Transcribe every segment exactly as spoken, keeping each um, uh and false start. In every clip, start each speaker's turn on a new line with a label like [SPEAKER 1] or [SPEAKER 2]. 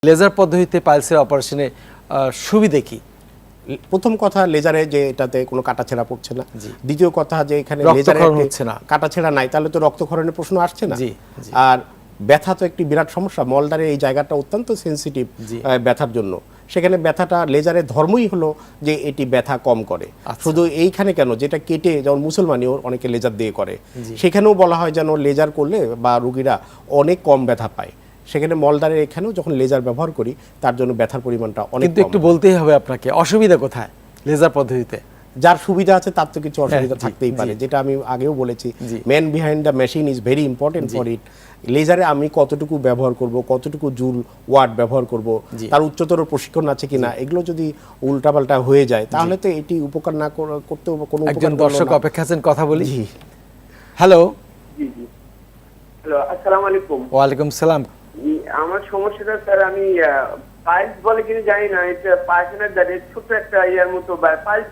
[SPEAKER 1] Laser পদ্ধতিতে পাইলসের অপারেশনে সুবিধা কি?
[SPEAKER 2] প্রথম কথা, লেজারে যে এটাতে কোনো কাটাছেঁড়া পড়ছে না। দ্বিতীয় কথা, যে এখানে লেজারে
[SPEAKER 1] হচ্ছে না,
[SPEAKER 2] কাটাছেঁড়া নাই, তাহলে তো রক্তক্ষরণের প্রশ্ন আসছে না।
[SPEAKER 1] জি,
[SPEAKER 2] আর ব্যথা তো একটি বিরাট সমস্যা। মলদারে এই জায়গাটা অত্যন্ত সেনসিটিভ ব্যথার জন্য। সেখানে ব্যথাটা লেজারের ধর্মই হলো যে এটি ব্যথা কম করে। শুধু এইখানে কেন, যেটা কেটে যেমন মুসলমানিও অনেকে লেজার দিয়ে করে, সেখানেও বলা হয় যেন লেজার করলে বা রুগীরা অনেক কম ব্যথা পায়। সেখানে মলদারের এখানেও যখন লেজার ব্যবহার করি, তার জন্য ব্যথার পরিমাণটা অনেক।
[SPEAKER 1] কিন্তু একটু বলতেই হবে আপনাকে, অসুবিধা কোথায় লেজার পদ্ধতিতে?
[SPEAKER 2] যার সুবিধা আছে তার তো কিছু অসুবিধা থাকতেই পারে, যেটা আমি আগেও বলেছি। Man behind the machine is very important for it. লেজারে আমি কতটুকু ব্যবহার করব, কতটুকু জুল ওয়াট ব্যবহার করব, তার উচ্চতর প্রশিক্ষণ আছে কিনা, এগুলো যদি উল্টাপাল্টা হয়ে যায় তাহলে তো এটি উপকার না করতে কোনো।
[SPEAKER 1] একজন দর্শক অপেক্ষা আছেন, কথা বলি। হ্যালো,
[SPEAKER 3] জি জি হ্যালো, আসসালামু আলাইকুম।
[SPEAKER 1] ওয়ালাইকুম সালাম।
[SPEAKER 3] আমার সমস্যাটা স্যার, আমি পাইলস বলে কিনা জানি না, এটা পায়খানার দাঁড়ে ছোট একটা ইয়ার মতো পাইলস,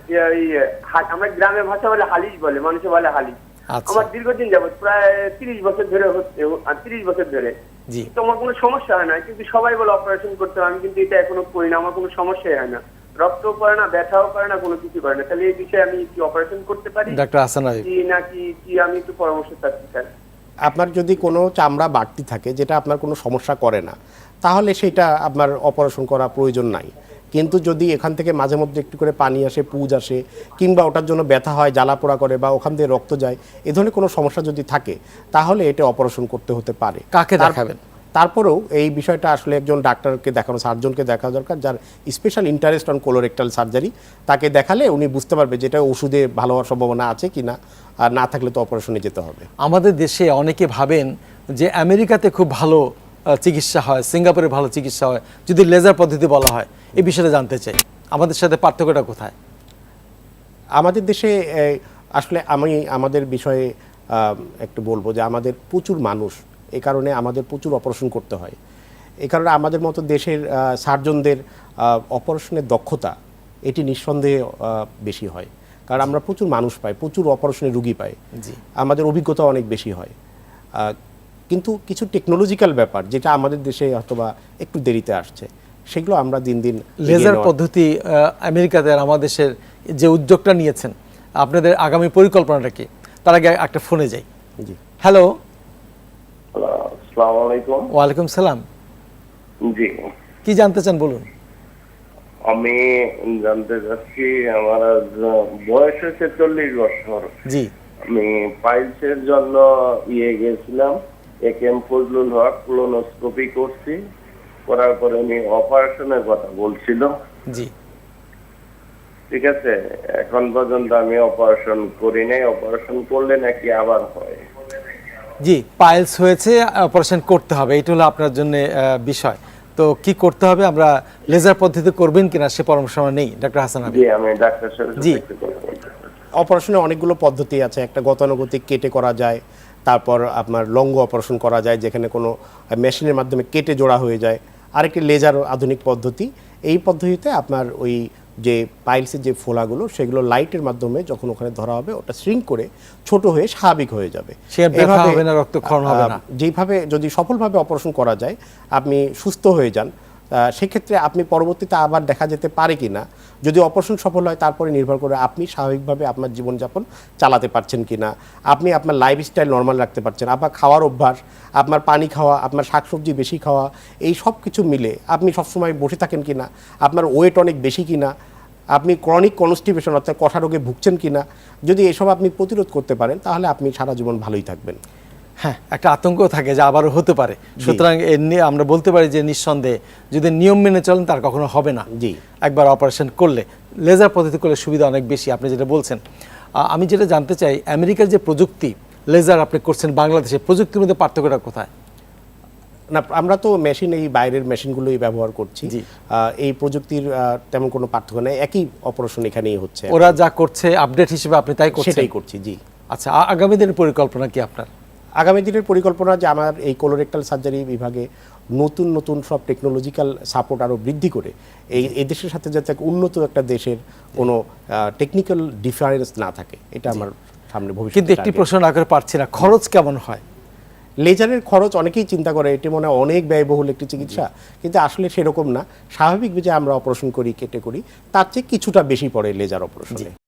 [SPEAKER 3] আমরা গ্রামের ভাষা বলে হালিশ বলে, মানুষে বলে হালিশ। আমার দীর্ঘদিন যাবত প্রায় তিরিশ বছর ধরে হচ্ছে, তিরিশ বছর ধরে তো আমার কোনো সমস্যা হয় না, কিন্তু সবাই বলে অপারেশন করতে হবে। আমি কিন্তু এটা এখনো করি না, আমার কোনো সমস্যাই হয় না, রক্তও করে না, ব্যথাও করে না, কোনো কিছু করে না। তাহলে এই বিষয়ে আমি কি অপারেশন করতে পারি
[SPEAKER 1] ডাক্তার হাসান আলী
[SPEAKER 3] নাকি কি? আমি একটু পরামর্শ চাচ্ছি স্যার।
[SPEAKER 2] আপনার যদি কোনো চামড়া বাড়তি থাকে যেটা আপনার কোনো সমস্যা করে না, তাহলে সেটা আপনার অপারেশন করা প্রয়োজন নাই। কিন্তু যদি এখান থেকে মাঝে মধ্যে একটু করে পানি আসে, পুজ আসে, কিংবা ওটার জন্য ব্যথা হয়, জ্বালা পোড়া করে, বা ওখান থেকে রক্ত যায়, এ ধরনের কোনো সমস্যা যদি থাকে তাহলে এটা অপারেশন করতে হতে পারে।
[SPEAKER 1] কাকে দেখাবেন?
[SPEAKER 2] তারপরেও এই বিষয়টা আসলে একজন ডাক্তারকে দেখানো, সার্জনকে দেখা দরকার, যার special interest on colorectal surgery. তাকে দেখালে উনি বুঝতে পারবে যেটা ওষুধে ভালো হওয়ার সম্ভাবনা আছে কিনা, আর না থাকলে তো অপারেশনে যেতে হবে।
[SPEAKER 1] আমাদের দেশে অনেকে ভাবেন যে আমেরিকাতে খুব ভালো চিকিৎসা হয়, সিঙ্গাপুরে ভালো চিকিৎসা হয় যদি লেজার পদ্ধতি বলা হয়। এই বিষয়টা জানতে চাই, আমাদের সাথে পার্থক্যটা কোথায়?
[SPEAKER 2] আমাদের দেশে আসলে আমি আমাদের বিষয়ে একটু বলবো যে আমাদের প্রচুর মানুষ, এই কারণে আমাদের প্রচুর অপারেশন করতে হয়। এই কারণে আমাদের মতো দেশের সার্জনদের অপারেশনের দক্ষতা এটি নিঃসন্দেহে বেশি হয়, কারণ আমরা প্রচুর মানুষ পাই, প্রচুর অপারেশনের রুগী পাই, আমাদের অভিজ্ঞতা অনেক বেশি হয়। কিন্তু কিছু টেকনোলজিক্যাল ব্যাপার যেটা আমাদের দেশে অথবা একটু দেরিতে আসছে, সেগুলো আমরা দিন দিন।
[SPEAKER 1] লেজার পদ্ধতি আমেরিকাতে আর আমাদের দেশের যে উদ্যোগটা নিয়েছেন, আপনাদের আগামী পরিকল্পনাটা কি? তার আগে একটা ফোনে যাই।
[SPEAKER 2] জি,
[SPEAKER 1] হ্যালো।
[SPEAKER 3] আসসালামু আলাইকুম।
[SPEAKER 1] ওয়ালাইকুম সালাম।
[SPEAKER 3] জি,
[SPEAKER 1] কি জানতে চান বলুন।
[SPEAKER 3] আমি জানতে চাচ্ছি, আমার বয়স হচ্ছে চল্লিশ বছর।
[SPEAKER 1] জি,
[SPEAKER 3] আমি পাইলসের জন্য ইয়ে গেছিলাম, A K M Fazlul Haque, colonoscopy করছি, করার পরে উনি অপারেশনের কথা বলছিল।
[SPEAKER 1] জি,
[SPEAKER 3] ঠিক আছে, এখন পর্যন্ত আমি অপারেশন করি নাই। অপারেশন করলে নাকি আবার হয়?
[SPEAKER 1] জি, পাইলস হয়েছে, অপারেশন করতে হবে, এটা হলো আপনার জন্য বিষয়। তো কি করতে হবে, আমরা লেজার পদ্ধতি করবেন কিনা সে পরামর্শ নেই ডাক্তার হাসান আলী।
[SPEAKER 3] জি, আমি ডাক্তার সাহেব
[SPEAKER 1] জি,
[SPEAKER 2] অপারেশনের অনেকগুলো পদ্ধতি আছে। একটা গতানুগতিক কেটে করা যায়, তারপর আপনার লঙ্গ অপারেশন করা যায় যেখানে কোনো মেশিনের মাধ্যমে কেটে জোড়া হয়ে যায়, আরেকটি লেজার আধুনিক পদ্ধতি। এই পদ্ধতিতে আপনার ওই যে পাইলসের যে ফোলাগুলো, সেগুলো লাইটের মাধ্যমে যখন ওখানে ধরা হবে, ওটা শ্রিঙ্ক করে ছোট হয়ে স্বাভাবিক হয়ে যাবে। যেইভাবে যদি সফলভাবে অপারেশন করা যায়, আপনি সুস্থ হয়ে যান, সেক্ষেত্রে আপনি পরবর্তীতে আবার দেখা যেতে পারে কি না, যদি অপারেশন সফল হয় তারপরে নির্ভর করে আপনি স্বাভাবিকভাবে আপনার জীবনযাপন চালাতে পারছেন কি না, আপনি আপনার লাইফস্টাইল নর্মাল রাখতে পারছেন, আপনার খাওয়ার অভ্যাস, আপনার পানি খাওয়া, আপনার শাকসবজি বেশি খাওয়া, এই সব কিছু মিলে আপনি সবসময় বসে থাকেন কি না, আপনার ওয়েট অনেক বেশি কি না, আপনি ক্রনিক কনস্টিপেশন অর্থাৎ কষা রোগে ভুগছেন কি না, যদি এসব আপনি প্রতিরোধ করতে পারেন তাহলে আপনি সারা জীবন ভালোই থাকবেন।
[SPEAKER 1] হ্যাঁ, একটা আতঙ্ক থাকে যে আবারও হতে পারে, সুতরাং আমরা বলতে পারি যে নিঃসন্দেহে যদি নিয়ম মেনে চলেন তার কখনো হবে না।
[SPEAKER 2] জি,
[SPEAKER 1] একবার অপারেশন করলে লেজার পদ্ধতি করলে সুবিধা অনেক বেশি, আপনি যেটা বলছেন। আমি যেটা জানতে চাই, আমেরিকার যে প্রযুক্তি লেজার আপনি করছেন, বাংলাদেশের প্রযুক্তির মধ্যে পার্থক্যটা কোথায়?
[SPEAKER 2] না, আমরা তো মেশিন, এই বাইরের মেশিনগুলোই ব্যবহার করছি, এই প্রযুক্তির তেমন কোনো পার্থক্য নেই, একই অপারেশন এখানেই হচ্ছে।
[SPEAKER 1] ওরা যা করছে আপডেট হিসেবে আপনি তাই করছেন?
[SPEAKER 2] সেটাই করছি। জি। আচ্ছা,
[SPEAKER 1] আগামী দিনের পরিকল্পনা কি আপনার?
[SPEAKER 2] আগামী দিনের পরিকল্পনা যে আমার এই কোলোরেক্টাল সার্জারি বিভাগে নতুন নতুন সব টেকনোলজিক্যাল সাপোর্ট আরও বৃদ্ধি করে এই এই দেশের সাথে যাতে উন্নত একটা দেশের কোনো টেকনিক্যাল ডিফারেন্স না থাকে, এটা আমার সামনে ভবিষ্যতে।
[SPEAKER 1] কিন্তু একটি প্রশ্ন না করে পারছি না, খরচ কেমন হয়?
[SPEAKER 2] লেজারের খরচ অনেকেই চিন্তা করে এটি মনে হয় অনেক ব্যয়বহুল একটি চিকিৎসা, কিন্তু আসলে সেরকম না। স্বাভাবিক যে আমরা অপারেশন করি, কেটে করি, তার চেয়ে কিছুটা বেশি পড়ে লেজার অপারেশনে।